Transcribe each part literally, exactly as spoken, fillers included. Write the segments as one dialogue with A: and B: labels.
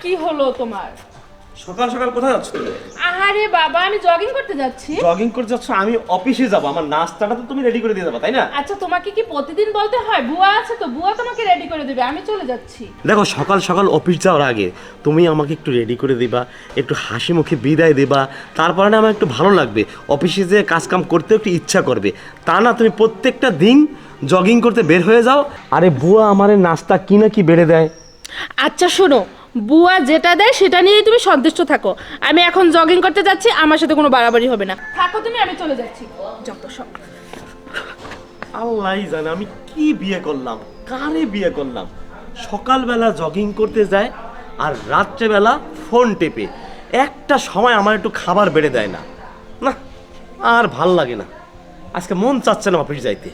A: কি হলো তোমার?
B: সকাল সকাল কোথায় যাচ্ছ তুমি?
A: আরে বাবা, আমি জগিং করতে যাচ্ছি।
B: জগিং করতে যাচ্ছ? আমি অফিসে যাব, আমার নাস্তাটা তো তুমি রেডি করে দিয়ে যাবে, তাই না?
A: আচ্ছা, তোমাকে কি প্রতিদিন বলতে হয়? বুয়া আছে তো, বুয়া তোমাকে রেডি করে দেবে, আমি চলে যাচ্ছি।
B: দেখো, সকাল সকাল অফিস যাওয়ার আগে তুমি আমাকে একটু রেডি করে দিবা, একটু হাসি মুখে বিদায় দেবা, তারপরে না আমার একটু ভালো লাগবে, অফিসে যে কাজ কাম করতে একটু ইচ্ছা করবে। তা না তুমি প্রত্যেকটা দিন জগিং করতে বের হয়ে যাও, আরে বুয়া আমারে নাস্তা কি না কি বেড়ে দেয়।
A: আচ্ছা শোনো, বুয়া যেটা দেয় সেটা নিয়েই তুমি সন্তুষ্ট থাকো। আমি এখন জগিং করতে যাচ্ছি, আমার সাথে কোনো বাড়াবাড়ি হবে না। থাকো তুমি, আমি চলে যাচ্ছি। যত সব।
B: আল্লাহই জানে আমি কি বিয়ে করলাম, কারে বিয়ে করলাম। সকালবেলা জগিং করতে যায় আর রাত্রেবেলা ফোন টেপে, একটা সময় আমার একটু খাবার বেড়ে দেয় না। না, আর ভাল লাগে না, আজকে মন চাচ্ছে না অফিস যাইতে।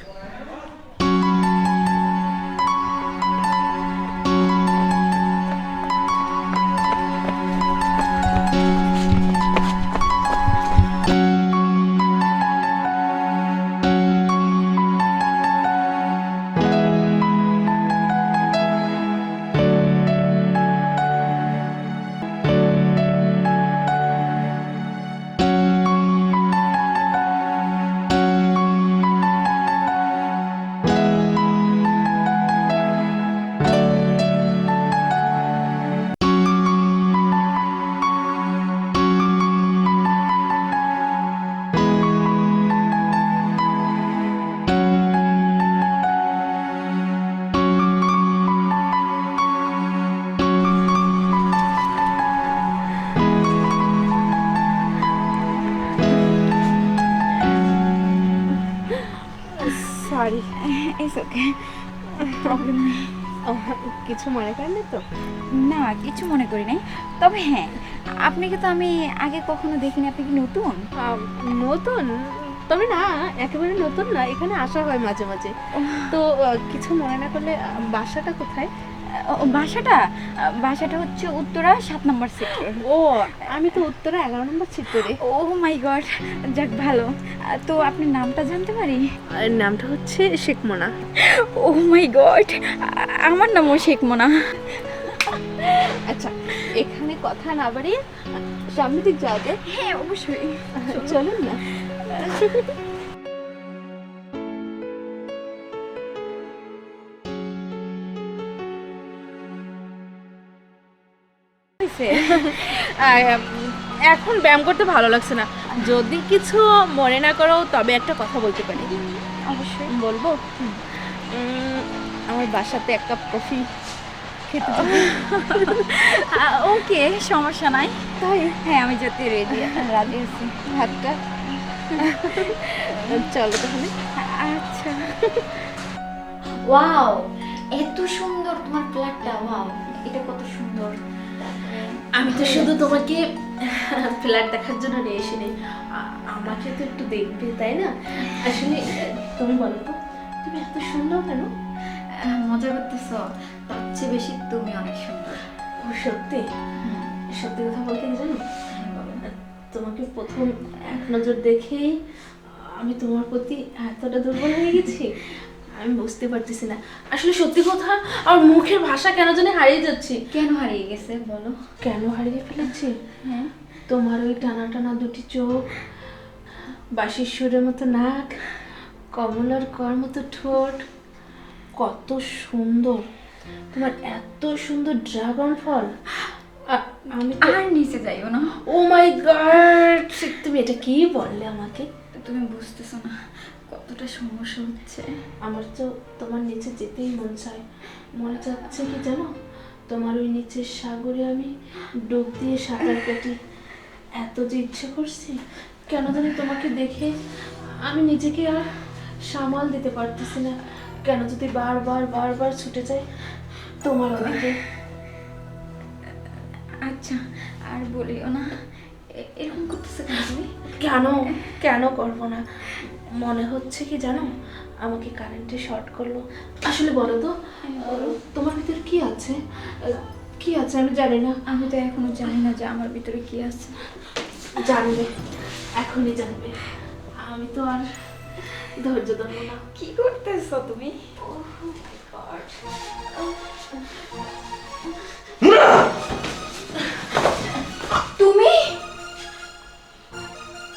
A: সরি।
C: ইটস ওকে, প্রবলেম নেই।
A: কিছু মনে করেন তো?
C: না, কিছু মনে করি নাই। তবে হ্যাঁ, আপনাকে তো আমি আগে কখনো দেখিনি। আপনি কি নতুন?
A: নতুন? তবে না, একেবারে নতুন না, এখানে আসা হয় মাঝে মাঝে। তো আহ, কিছু মনে না করলে, আহ, বাসাটা কোথায়?
C: ও, বাসাটা বাসাটা হচ্ছে উত্তরা সাত নম্বর সেক্টর।
A: ও, আমি তো উত্তরা এগারো নম্বর চিত্তরে।
C: ও মাই গড, যাক ভালো। তো আপনার নামটা জানতে পারি?
A: আর নামটা হচ্ছে Sheikh Mona.
C: Oh my god, আমার নামও শেখ মোনা।
A: আচ্ছা, এখানে কথা না বাড়িয়ে সামনে দিক যাওয়া যায়?
C: হ্যাঁ অবশ্যই,
A: চলুন না। এখন ব্যায়াম করতে ভালো লাগছে না, যদি কিছু মনে না করো তবে একটা কথা বলতে পারি।
C: অবশ্যই
A: বলবো? উম, আমার বাসাতে এক কাপ কফি খেতে যাবো।
C: ওকে, সমস্যা নাই।
A: তাই?
C: হ্যাঁ, আমি যেতে রেডি, রাজি আছি।
A: হাতটা চলো তাহলে।
C: আচ্ছা। ওয়াও, এত সুন্দর তোমার ফ্ল্যাটটা। ওয়াও, এটা কত সুন্দর।
A: আমি তো শুধু তোমাকে ফ্ল্যাট দেখার জন্য নিয়ে এসিনি, আ- আমাকে তো একটু দেখবে, তাই না? আসলে তুমি বলো তো, তুমি এত সুন্দর কেন?
C: আহ, মজা করতেছ? তার চেয়ে বেশি তুমি অনেক সুন্দর।
A: ও সত্যি? সত্যি কথা বলতে কি জানো, তোমাকে প্রথম এক নজর দেখেই আমি তোমার প্রতি এতটা দুর্বল হয়ে গেছি, আমি বুঝতে পারতেছি না। আসলে সত্যি কথা, আর মুখের ভাষা কেন জানি হারিয়ে যাচ্ছি।
C: কেন হারিয়ে গেছে বলো?
A: কেন হারিয়ে ফেলেছি?
C: হ্যাঁ,
A: তোমার ওই টানা টানা দুটি চোখ, বাঁশির সুরের মতো নাক, কমলার কর মতো ঠোঁট, কত সুন্দর! তোমার এত সুন্দর ড্রাগন ফল, আ- আমি তো...
C: আর নিচে যাইও না।
A: ও মাই গড, তুমি এটা কি বললে আমাকে?
C: তুমি বুঝতেছো না কতটা সমস্যা হচ্ছে।
A: আমার তো তোমার নিচে যেতেই মন চায়, মনে চাচ্ছে কি জানো, তোমার ওই নিচের সাগরে আমি ডুব দিয়ে সাঁতার কাটি। এত যে ইচ্ছে করছি, কেন জানি তোমাকে দেখে আমি নিজেকে আর সামাল দিতে পারতেছি না, কেন যদি বারবার বারবার ছুটে যায় তোমার ওদিকে।
C: আচ্ছা, আর বলিও না। এ- এরকম করতেছে কেন তুমি?
A: কেন কেন করবো না? মনে হচ্ছে কি জানো, আমাকে কারেন্টে শর্ট করলো। আসলে বলো তো, তোমার ভিতর কি আছে? কি আছে আমি জানি না।
C: আমি তো এখনো জানি না যে আমার ভিতরে কি আছে।
A: জানবে, এখনই জানবে। আমি তো আর ধৈর্য ধরবো না।
C: কি করতেছো তুমি?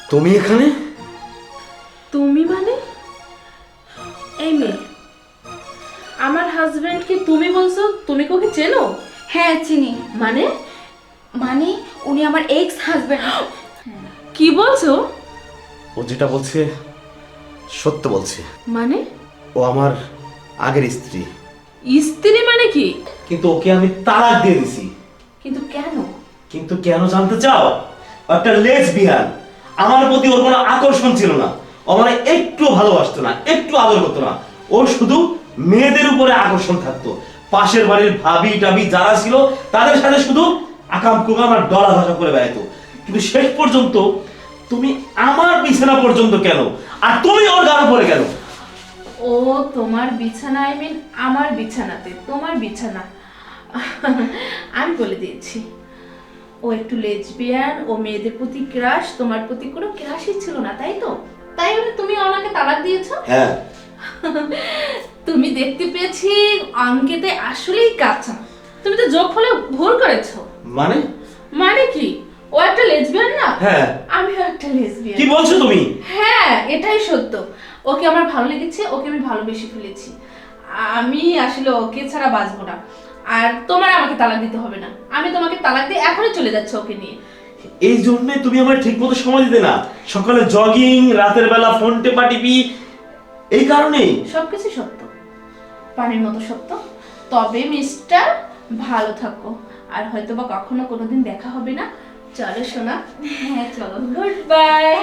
B: তুমি এখানে?
A: তুমি মানে? এই মেয়ে, আমার হাজবেন্ডকে তুমি বলছো? তুমি কি ওকে চেনো?
C: হ্যাঁ চিনি।
A: মানে?
C: মানে উনি আমার এক্স হাজবেন্ড।
A: কি বলছো?
B: ও যেটা বলছে সত্য বলছে।
A: মানে?
B: ও আমার আগের স্ত্রী,
A: স্ত্রী মানে কি?
B: কিন্তু ওকে আমি তালাক দিয়ে দিছি।
A: কিন্তু কেন?
B: কিন্তু কেন জানতে চাও? ও একটা লেসবিয়ান। আমার প্রতি ওর কোনো আকর্ষণ ছিল না, ও মানে একটু ভালোবাসতো না, একটু আদর করতো না। ওর শুধু মেয়েদের উপরে আকর্ষণ থাকতো। পাশের বাড়ির ভাবি টাবি যারা ছিল তাদের সাথে শুধু আকাম কুকাম আর ডলা ভাষা করে বেড়াইতো। কিন্তু শেষ পর্যন্ত তুমি আমার বিছানা পর্যন্ত কেন, আর তুমি ওর গান পরে কেন?
A: ও তোমার বিছানা, আই মিন আমার বিছানাতে, তোমার বিছানা। আমি বলে দিয়েছি, ও একটু লেসবিয়ান, ও মেয়েদের প্রতি ক্রাশ, তোমার প্রতি কোনো ক্রাশই ছিল না, তাই তো? তাই বলে তুমি ওনাকে তালাক দিয়েছো?
B: হ্যাঁ।
A: তুমি দেখতে পেয়েছি অঙ্কেতে আসলেই কাঁচা। তুমি তো যোগ ফলে ভুল করেছো।
B: মানে?
A: মানে কি? ও একটা লেসবিয়ান না?
B: হ্যাঁ।
A: আমিও একটা লেসবিয়ান।
B: কি বলছো তুমি?
A: হ্যাঁ, এটাই সত্য। ওকে আমার ভালো লেগেছে, ওকে আমি ভালোবেসে ফেলেছি। আমি আসলে ওকে ছাড়া বাঁচবো না। আর তোমার আমাকে তালাক দিতে হবে না, আমি তোমাকে তালাক দিয়ে এখনই চলে যাচ্ছি ওকে নিয়ে।
B: এই জন্য তুমি আমার ঠিক মতো সময় দিতে না, সকালে জগিং, রাতের বেলা ফোন টেপা টিপি, এই কারণেই।
A: সবকিছু সত্য, পানির মতো সত্য। তবে মিস্টার, ভালো থাকো, আর হয়তো বা কখনো কোনোদিন দেখা হবে না। চলো সোনা।
C: হ্যাঁ চলো।
A: Goodbye.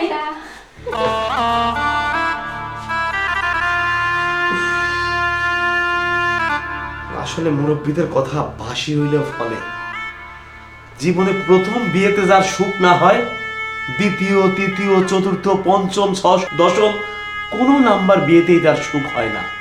B: আসলে মুরব্বীদের কথা বাসি হইলেও ফলে। জীবনে প্রথম বিয়েতে যার সুখ না হয়, দ্বিতীয়, তৃতীয়, চতুর্থ, পঞ্চম, ষষ্ঠ, দশম কোনো নাম্বার বিয়েতেই তার সুখ হয় না।